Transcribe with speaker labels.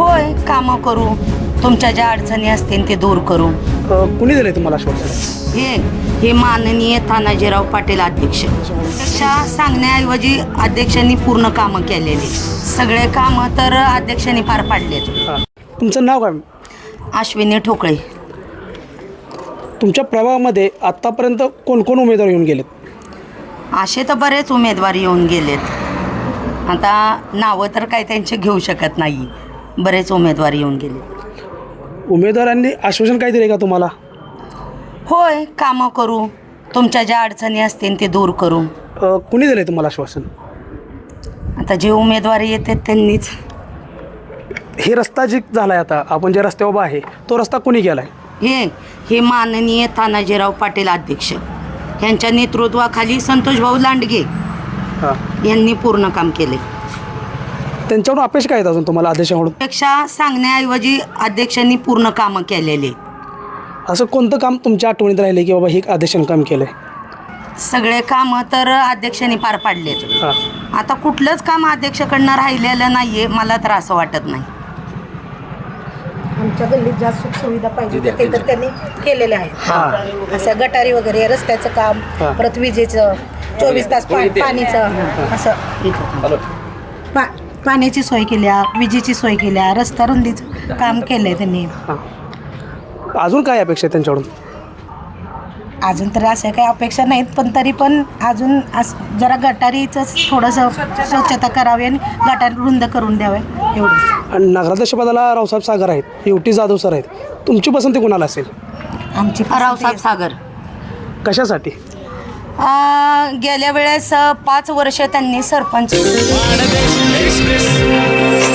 Speaker 1: होय, कामं करू, तुमच्या ज्या अडचणी असतील ते दूर करू.
Speaker 2: कुणी दिले तुम्हाला आश्वासन?
Speaker 1: हे माननीय तानाजीराव पाटील अध्यक्ष पेक्षा सांगण्याऐवजी अध्यक्षांनी पूर्ण कामं केलेली. सगळे कामं तर अध्यक्षांनी पार पाडलेत.
Speaker 2: तुमचं नाव काय?
Speaker 1: अश्विनी ठोकळे.
Speaker 2: तुमच्या प्रभागामध्ये आत्तापर्यंत कोण कोण उमेदवार येऊन गेलेत?
Speaker 1: असे तर बरेच उमेदवार येऊन गेलेत. आता नावं तर काय त्यांचे घेऊ शकत नाही. बरेच उमेदवार येऊन गेले.
Speaker 2: उमेदवारांनी आश्वासन काय दिले का तुम्हाला?
Speaker 1: होय, कामं करू, तुमच्या ज्या अडचणी असतील ते दूर करू.
Speaker 2: कुणी दिले तुम्हाला आश्वासन?
Speaker 1: आता जे उमेदवार येतात त्यांनीच.
Speaker 2: हे रस्ता जे झाला आहे, आता आपण ज्या रस्त्यावर उभा आहे तो रस्ता कुणी केला आहे?
Speaker 1: हे माननीय तानाजीराव पाटील अध्यक्ष यांच्या नेतृत्वाखाली संतोषभाऊ लांडगे
Speaker 2: हां,
Speaker 1: यांनी पूर्ण काम केले.
Speaker 2: त्यांच्याकडून अपेक्षा काय आहेत अजून तुम्हाला आदेशाकडून?
Speaker 1: पेक्षा सांगण्याऐवजी अध्यक्षांनी पूर्ण कामं केलेली.
Speaker 2: असं कोणतं काम तुमच्या आठवणीत राहिले की बाबा हे आदेशानं काम केलं आहे?
Speaker 1: सगळे कामं तर अध्यक्षांनी पार पाडलेत.
Speaker 2: हां,
Speaker 1: आता कुठलंच काम अध्यक्षाकडनं राहिलेलं नाही आहे, मला तर असं वाटत नाही.
Speaker 3: आमच्या गल्लीत ज्या सुखसुविधा पाहिजे ते तर त्यांनी केलेले आहेत. असं गटारी वगैरे, रस्त्याचं काम, परत विजेचं 24 तास पाणीचं, असं पाण्याची सोय केल्या, विजेची सोय केल्या, रस्ता रुंदीचं काम केलं आहे त्यांनी.
Speaker 2: हां. अजून काय अपेक्षा आहे त्यांच्याकडून?
Speaker 3: अजून तर अशा काही अपेक्षा नाहीत, पण तरी पण अजून जरा गटारीचं थोडंसं स्वच्छता करावी आणि गटार रुंद करून द्यावे, एवढंच.
Speaker 2: आणि नगराध्यक्षपदाला रावसाहेब सागर आहेत, युटी जाधव सर आहेत. तुमची पसंती कोणाला असेल?
Speaker 3: आमची
Speaker 1: रावसाहेब सागर.
Speaker 2: कशासाठी?
Speaker 1: गेल्या वेळेस 5 वर्ष त्यांनी सरपंच